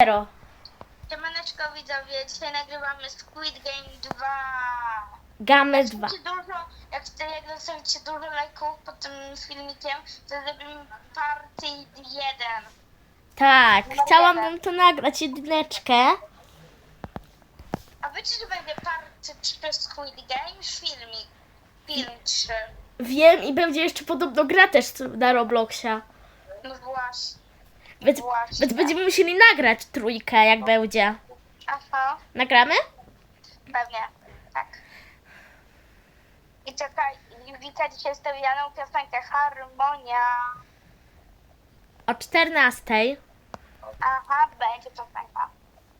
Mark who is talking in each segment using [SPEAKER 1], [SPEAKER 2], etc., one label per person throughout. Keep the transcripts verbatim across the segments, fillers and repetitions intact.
[SPEAKER 1] zero.
[SPEAKER 2] Siemaneczko widzowie, dzisiaj nagrywamy Squid Game dwa.
[SPEAKER 1] Game
[SPEAKER 2] Jak
[SPEAKER 1] dwa.
[SPEAKER 2] zostawicie dużo, jak, jak zostawicie dużo lajków pod tym filmikiem, to zrobimy party jeden.
[SPEAKER 1] Tak, chciałabym to nagrać jedyneczkę.
[SPEAKER 2] A wiecie, że będzie party trzy Squid Game? Filmik. Film trzy.
[SPEAKER 1] Wiem i będzie jeszcze podobno gra też na Robloxia.
[SPEAKER 2] No właśnie.
[SPEAKER 1] Więc,
[SPEAKER 2] Właśnie.
[SPEAKER 1] więc będziemy musieli nagrać trójkę, jak będzie.
[SPEAKER 2] Aha,
[SPEAKER 1] Nagramy?
[SPEAKER 2] pewnie. Tak. I czekaj, Wika dzisiaj stawianą piosenkę Harmonia.
[SPEAKER 1] O czternastej.
[SPEAKER 2] Aha, będzie piosenka.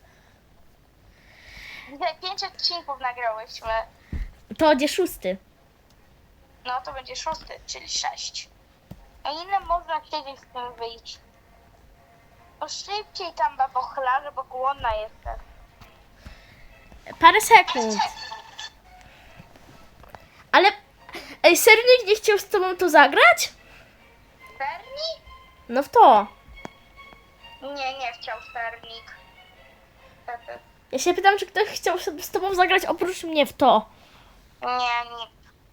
[SPEAKER 2] Dzisiaj pięć odcinków nagrałyśmy.
[SPEAKER 1] To będzie szósty.
[SPEAKER 2] No to będzie szósty, czyli sześć. A ile można siedzieć z tym wyjść? No szybciej tam, babochlarze, bo głodna jestem.
[SPEAKER 1] Parę sekund. Ale... Ej, serio nikt nie chciał z tobą to zagrać?
[SPEAKER 2] Sernik?
[SPEAKER 1] No w to.
[SPEAKER 2] Nie, nie chciał sernik.
[SPEAKER 1] Ja się pytam, czy ktoś chciał z tobą zagrać oprócz mnie w to.
[SPEAKER 2] Nie, nie.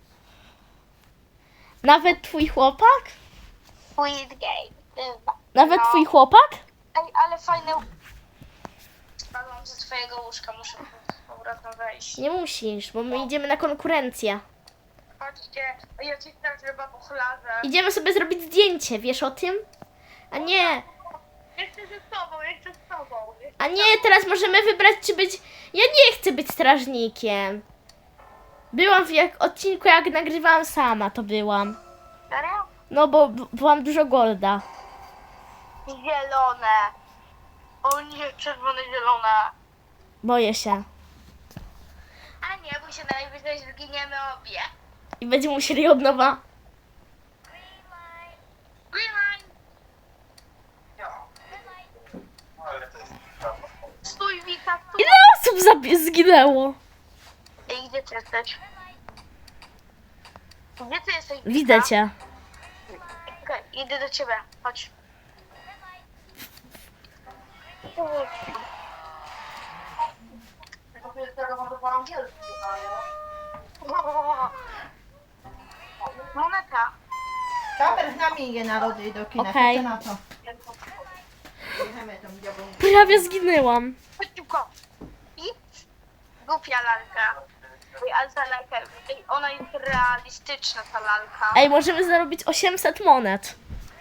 [SPEAKER 1] Nawet twój chłopak?
[SPEAKER 2] Squid Game.
[SPEAKER 1] Nawet
[SPEAKER 2] No.
[SPEAKER 1] twój chłopak?
[SPEAKER 2] Ej, ale fajne... Spadłam ze twojego łóżka, muszę z powrotem wejść.
[SPEAKER 1] Nie musisz, bo my idziemy na konkurencję.
[SPEAKER 2] Chodźcie, ja ci strażę babochlarze.
[SPEAKER 1] Idziemy sobie zrobić zdjęcie, wiesz o tym? A nie,
[SPEAKER 2] Ja chcę ze sobą, ja chcę z tobą.
[SPEAKER 1] a nie, teraz możemy wybrać, czy być... Ja nie chcę być strażnikiem. Byłam w jak odcinku, jak nagrywałam sama, to byłam.
[SPEAKER 2] Serio?
[SPEAKER 1] No, bo b- byłam dużo golda.
[SPEAKER 2] Zielone. O nie, czerwone, zielone.
[SPEAKER 1] Boję się.
[SPEAKER 2] A nie, bo się najwyżej zginiemy obie.
[SPEAKER 1] I będziemy musieli od nowa...
[SPEAKER 2] Green line. Stój, Wika, stój.
[SPEAKER 1] Ile osób zabi- zginęło?
[SPEAKER 2] Ej, gdzie ty jesteś? Gdzie ty jesteś, Wika?
[SPEAKER 1] Widzę cię.
[SPEAKER 2] Okej, idę do ciebie, chodź. Moneta.
[SPEAKER 3] Kamer z nami idzie na lody i do kina.
[SPEAKER 1] Okej.
[SPEAKER 3] Co na to? Jechamy tą białą.
[SPEAKER 1] Prawie zginęłam.
[SPEAKER 2] Chodź szybko. I? Głupia lalka. Ej, ale ta lalka, ej, ona jest realistyczna, ta lalka.
[SPEAKER 1] Ej, możemy zarobić osiemset monet.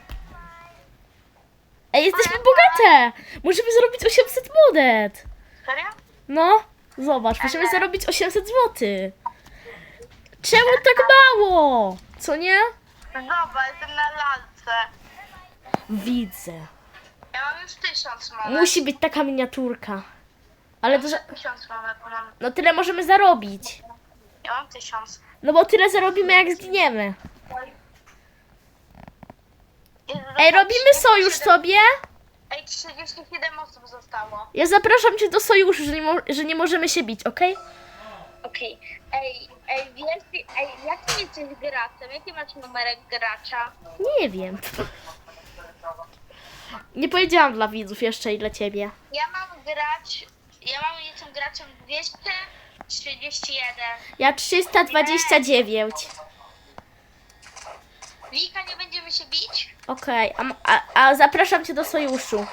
[SPEAKER 1] Ej, jesteśmy bogate! Możemy zarobić osiemset monet.
[SPEAKER 2] Serio?
[SPEAKER 1] No, zobacz, możemy zarobić osiemset złotych. Czemu tak mało? Co nie?
[SPEAKER 2] Zobacz, jestem na lalce.
[SPEAKER 1] Widzę.
[SPEAKER 2] Ja mam już tysiąc monet.
[SPEAKER 1] Musi być taka miniaturka. Ale to, że...
[SPEAKER 2] Tysiąc monet mam.
[SPEAKER 1] No tyle możemy zarobić.
[SPEAKER 2] Ja mam tysiąc.
[SPEAKER 1] No bo tyle zarobimy, jak zginiemy.
[SPEAKER 2] Jest
[SPEAKER 1] Ej, robimy sojusz sobie?
[SPEAKER 2] Ej, trzydzieści siedem osób zostało.
[SPEAKER 1] Ja zapraszam cię do sojuszu, że nie, mo- że nie możemy się bić, okej?
[SPEAKER 2] Okej. Ej, ej, wiesz, ej, jakim jesteś graczem? Jaki masz numerek gracza?
[SPEAKER 1] Nie wiem. Nie powiedziałam dla widzów jeszcze i dla ciebie.
[SPEAKER 2] Ja mam grać, ja mam, jestem graczem dwieście trzydzieści jeden.
[SPEAKER 1] Ja trzysta dwadzieścia dziewięć.
[SPEAKER 2] Wika, nie będziemy się bić?
[SPEAKER 1] Okej, a, m- a, a zapraszam cię do sojuszu.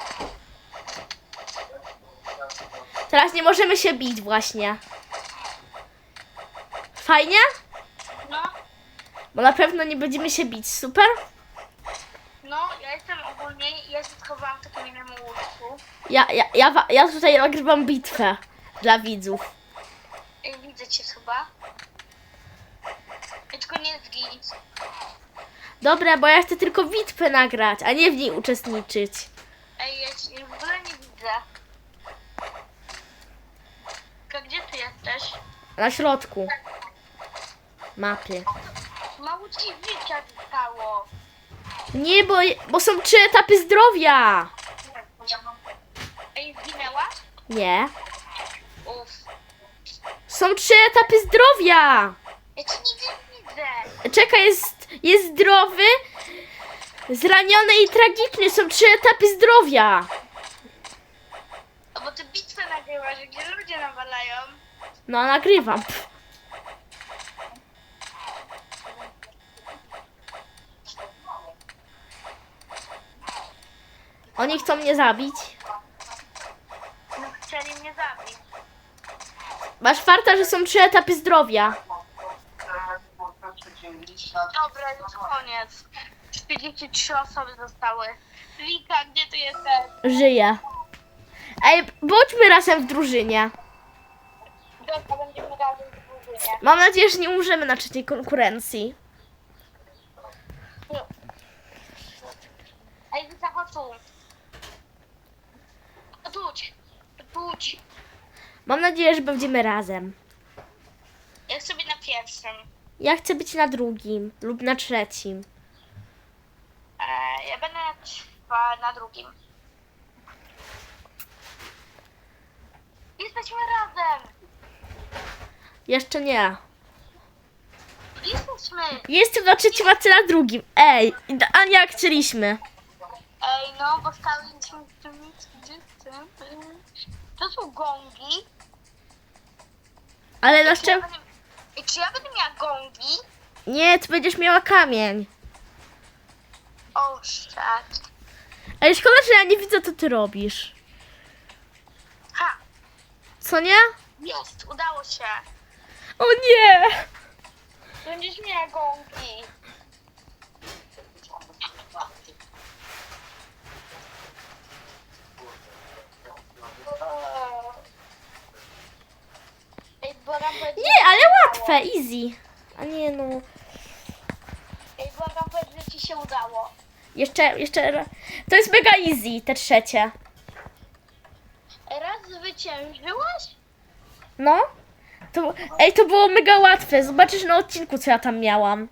[SPEAKER 1] Teraz nie możemy się bić właśnie. Fajnie?
[SPEAKER 2] No,
[SPEAKER 1] Bo na pewno nie będziemy się bić, super?
[SPEAKER 2] no, ja jestem ogólnie, ja się schowałam w takim innym łóżku.
[SPEAKER 1] Ja, ja, ja, wa- ja tutaj nagrywam bitwę dla widzów.
[SPEAKER 2] Ej, widzę cię chyba. Ej, tylko nie zginij.
[SPEAKER 1] Dobra, bo ja chcę tylko bitwę nagrać, a nie w niej uczestniczyć.
[SPEAKER 2] Ej, ja cię w ogóle nie widzę. Tylko gdzie ty jesteś?
[SPEAKER 1] Na środku mapy.
[SPEAKER 2] Mało ci życia zostało.
[SPEAKER 1] Nie, bo, bo są trzy etapy zdrowia.
[SPEAKER 2] Ej, zginęłaś?
[SPEAKER 1] Nie.
[SPEAKER 2] Uff.
[SPEAKER 1] Są trzy etapy zdrowia.
[SPEAKER 2] Ja cię nigdzie nie widzę.
[SPEAKER 1] Czekaj, jest, jest zdrowy, zraniony i tragiczny. Są trzy etapy zdrowia.
[SPEAKER 2] nagrywasz, gdzie ludzie nawalają?
[SPEAKER 1] No, nagrywam. Pff. Oni chcą mnie zabić.
[SPEAKER 2] No chcieli mnie zabić.
[SPEAKER 1] Masz farta, że są trzy etapy zdrowia.
[SPEAKER 2] Dobra, już koniec. czterdzieści trzy osoby zostały. Wika, gdzie ty jesteś?
[SPEAKER 1] Żyję. Ej, bądźmy razem w drużynie.
[SPEAKER 2] Dobra, będziemy razem w drużynie.
[SPEAKER 1] Mam nadzieję, że nie umrzemy na trzeciej konkurencji.
[SPEAKER 2] Ej, Wika, chodź tu. Chodź, chodź.
[SPEAKER 1] Mam nadzieję, że będziemy razem.
[SPEAKER 2] Ja chcę być na pierwszym.
[SPEAKER 1] Ja chcę być na drugim lub na trzecim.
[SPEAKER 2] E, ja będę na, trwa- na drugim. Jesteśmy razem.
[SPEAKER 1] Jeszcze nie.
[SPEAKER 2] Jesteśmy.
[SPEAKER 1] Jestem na trzecim, a ty na drugim. Ej, a jak chcieliśmy.
[SPEAKER 2] Ej, no, bo staliśmy w tym miejscu. To są gongi.
[SPEAKER 1] Ale na
[SPEAKER 2] Czy ja
[SPEAKER 1] czym?
[SPEAKER 2] będę, Ej, czy ja będę miała gongi?
[SPEAKER 1] Nie, ty będziesz miała kamień.
[SPEAKER 2] O, shit.
[SPEAKER 1] Ej, szkoda, że ja nie widzę, co ty robisz.
[SPEAKER 2] Ha,
[SPEAKER 1] Co nie?
[SPEAKER 2] jest, udało się.
[SPEAKER 1] O nie!
[SPEAKER 2] Będziesz miała gongi. Ej, błagam, powiedz,
[SPEAKER 1] Nie, ale łatwe, easy. A nie no.
[SPEAKER 2] Ej, błagam, powiedz, że ci się udało.
[SPEAKER 1] Jeszcze, jeszcze. ra- To jest mega easy, te trzecie.
[SPEAKER 2] Raz zwyciężyłaś?
[SPEAKER 1] No. To, ej, to było mega łatwe. Zobaczysz na odcinku, co ja tam miałam.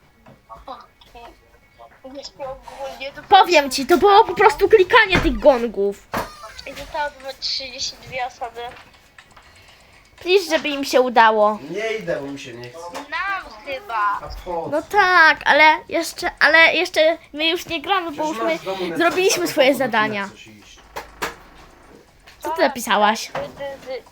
[SPEAKER 2] Wiesz, ogólnie to
[SPEAKER 1] Powiem ci, to było po prostu klikanie tych gongów.
[SPEAKER 2] I zostało trzydzieści dwie osoby.
[SPEAKER 1] Licz, żeby im się udało.
[SPEAKER 4] Nie idę, bo mi się nie chce.
[SPEAKER 2] Nam chyba.
[SPEAKER 4] A po
[SPEAKER 1] No tak, ale jeszcze, ale jeszcze my już nie gramy, bo już my zrobiliśmy swoje zadania. Co ty napisałaś?
[SPEAKER 2] Dy, dy, dy.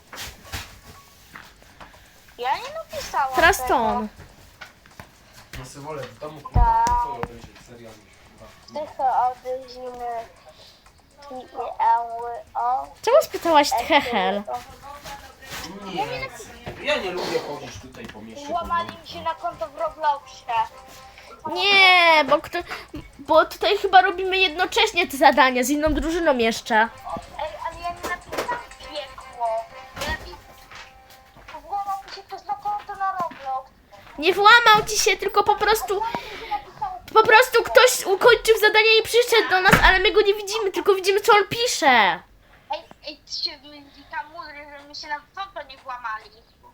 [SPEAKER 2] Ja nie napisałam
[SPEAKER 1] Teraz
[SPEAKER 2] tego.
[SPEAKER 1] to on.
[SPEAKER 4] No sobie wolę w domu
[SPEAKER 2] Tak.
[SPEAKER 4] kurwa, to będzie serial już
[SPEAKER 2] Tycho od zimy. I E Ły O.
[SPEAKER 1] Czemu spytałaś Hechel?
[SPEAKER 4] Nie, ja nie lubię chodzić tutaj po mieście.
[SPEAKER 2] Złamali mi się na konto w Robloxie.
[SPEAKER 1] Nie, bo, kto, bo tutaj chyba robimy jednocześnie te zadania z inną drużyną jeszcze.
[SPEAKER 2] Ej, ale ja nie napisałam piekło. Ja napisałam... Złamał mi się ktoś na konto na Roblox.
[SPEAKER 1] Nie włamał ci się, tylko po prostu, po prostu ktoś ukończył zadanie i przyszedł do nas, ale my go nie widzimy, tylko widzimy, co on pisze.
[SPEAKER 2] Ej, ej, ty się myli tam mówi, że mi się na konto nie włamali.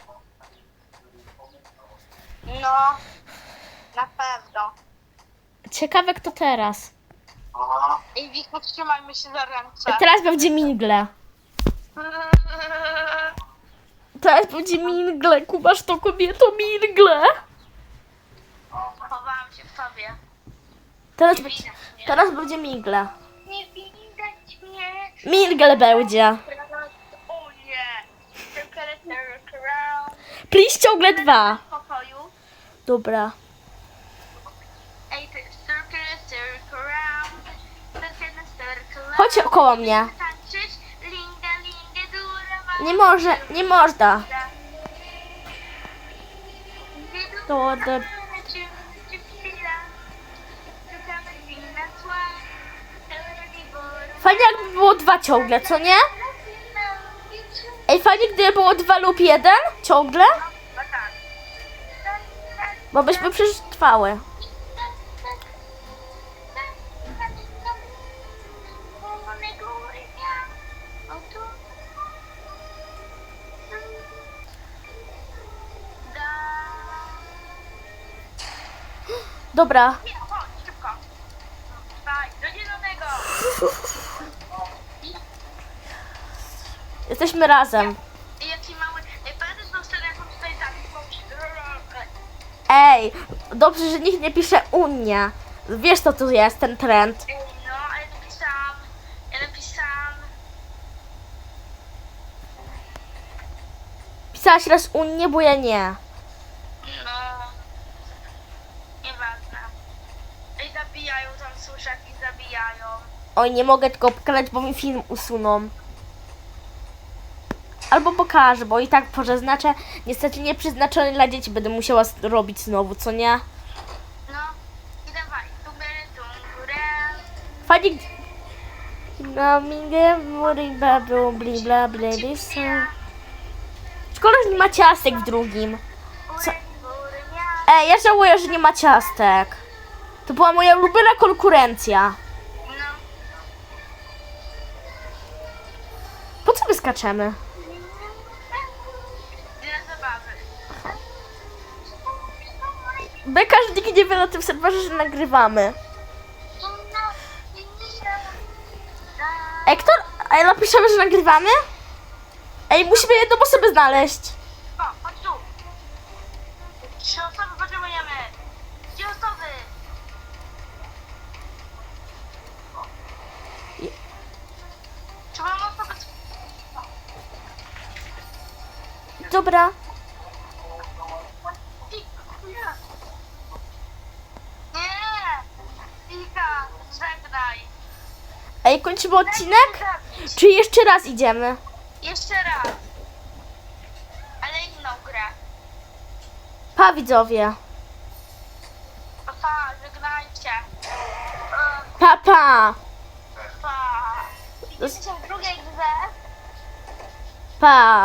[SPEAKER 2] No, na pewno.
[SPEAKER 1] Ciekawe, kto teraz.
[SPEAKER 2] Ej, Wiko, trzymajmy się za ręce.
[SPEAKER 1] Teraz będzie mingle. Teraz będzie mingle, kumasz to kobieto, mingle.
[SPEAKER 2] Chowałam się w tobie.
[SPEAKER 1] Teraz, będzie- teraz będzie mingle.
[SPEAKER 2] Nie widać mnie.
[SPEAKER 1] Mingle będzie.
[SPEAKER 2] O nie. Circle, circle round.
[SPEAKER 1] Please ciągle dwa.
[SPEAKER 2] W pokoju.
[SPEAKER 1] Dobra.
[SPEAKER 2] Ej, to jest circle, circle round. Circle, circle round.
[SPEAKER 1] Chodź koło mnie.
[SPEAKER 2] Tańczysz? Linga, linga, dura, ma-
[SPEAKER 1] Nie może, nie można. To, to, fajnie jakby było dwa ciągle, co nie? Ej, fajnie gdyby było dwa lub jeden ciągle, bo byśmy przetrwały. Dobra,
[SPEAKER 2] Nie, chodź, szybko. Daj, do zielonego.
[SPEAKER 1] jesteśmy razem.
[SPEAKER 2] I jaki mały... Ej, pamiętasz tą scenę, jaką tutaj zabił?
[SPEAKER 1] Ej, dobrze, że nikt nie pisze Unia. Wiesz, co tu jest ten trend.
[SPEAKER 2] Ej, no, a ja napisałam... Ja napisałam...
[SPEAKER 1] podpisałaś raz Unię, bo ja nie.
[SPEAKER 2] No. Nieważne. I zabijają tam suszek i zabijają.
[SPEAKER 1] Oj, nie mogę tylko pokazać, bo mi film usuną. Albo pokażę, bo i tak przeznaczę. Niestety nie przeznaczony dla dzieci, będę musiała s- robić znowu, co nie?
[SPEAKER 2] No. I dawaj. Tubery, tumburę.
[SPEAKER 1] Fajnie. No, mingę, mury, bla, bla, bla, bla, bla, bla. Szkoda, że nie ma ciastek w drugim. Co?
[SPEAKER 2] Bury, bury, mia.
[SPEAKER 1] Ej, ja żałuję, że nie ma ciastek. To była moja ulubiona konkurencja.
[SPEAKER 2] No.
[SPEAKER 1] Po co my skaczemy?
[SPEAKER 2] Dla zabawy.
[SPEAKER 1] Beka, że nikt nie wie na tym serwerze, że nagrywamy. Ej, kto... Ej, napiszemy, że nagrywamy? Ej, musimy jedną osobę znaleźć.
[SPEAKER 2] O, chodź tu. Trzy osoby potrzebujemy. Trzy osoby. Trzeba osoby.
[SPEAKER 1] Dobra.
[SPEAKER 2] Nie. Ika, żegnaj.
[SPEAKER 1] Ej, kończymy odcinek? Czy jeszcze raz idziemy?
[SPEAKER 2] Jeszcze raz. Ale inną grę.
[SPEAKER 1] Pa, widzowie.
[SPEAKER 2] Pa, żegnajcie.
[SPEAKER 1] Pa, pa.
[SPEAKER 2] Pa. Widzimy się w drugiej grze.
[SPEAKER 1] Pa.